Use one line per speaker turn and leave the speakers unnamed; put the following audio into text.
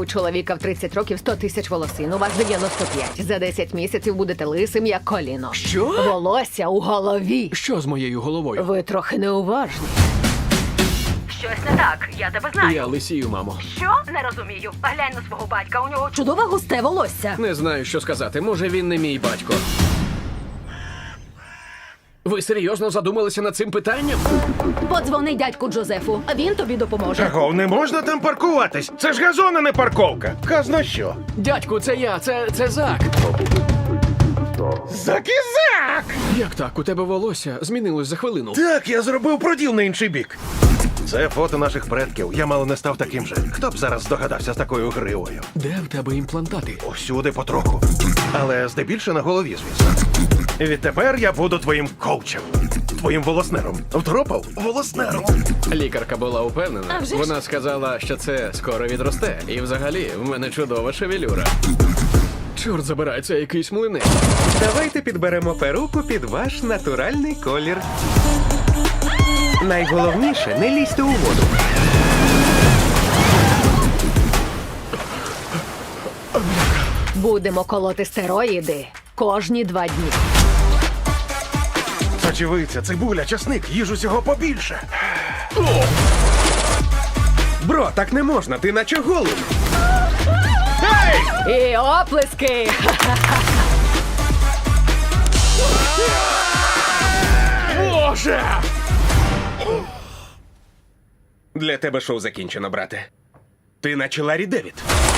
У чоловіка в 30 років 100 тисяч волосин, у вас 95. За 10 місяців будете лисим, як коліно.
Що?
Волосся у голові.
Що з моєю головою?
Ви трохи неуважні. Щось не так, я тебе знаю.
Я лисію, мамо.
Що? Не розумію. Глянь на свого батька, у нього чудове густе волосся.
Не знаю, що сказати. Може, він не мій батько. Ви серйозно задумалися над цим питанням?
Подзвони дядьку Джозефу, а він тобі допоможе.
Чого, не можна там паркуватись? Це ж газон, а не парковка. Казна що?
Дядьку, це я, це Зак.
Закізак!
Як так? У тебе волосся змінилось за хвилину.
Так, я зробив проділ на інший бік. Це фото наших предків. Я мало не став таким же. Хто б зараз здогадався з такою гривою?
Де в тебе імплантати?
Усюди потроху. Але здебільше на голові, звісно. Відтепер я буду твоїм коучем. Твоїм волоснером. Втропав? Волоснером.
Лікарка була упевнена. Вона сказала, що це скоро відросте. І взагалі, в мене чудова шевелюра. Чорт забирай, це якийсь млинець.
Давайте підберемо перуку під ваш натуральний колір. Найголовніше, не лізьте у воду.
Будемо колоти стероїди кожні 2 дні.
Сочевиця, цибуля, часник, їж усього побільше.
Бро, так не можна, ти наче голий.
І оплески!
Боже!
Для тебе шоу закінчено, брате. Ти наче Ларі Девід.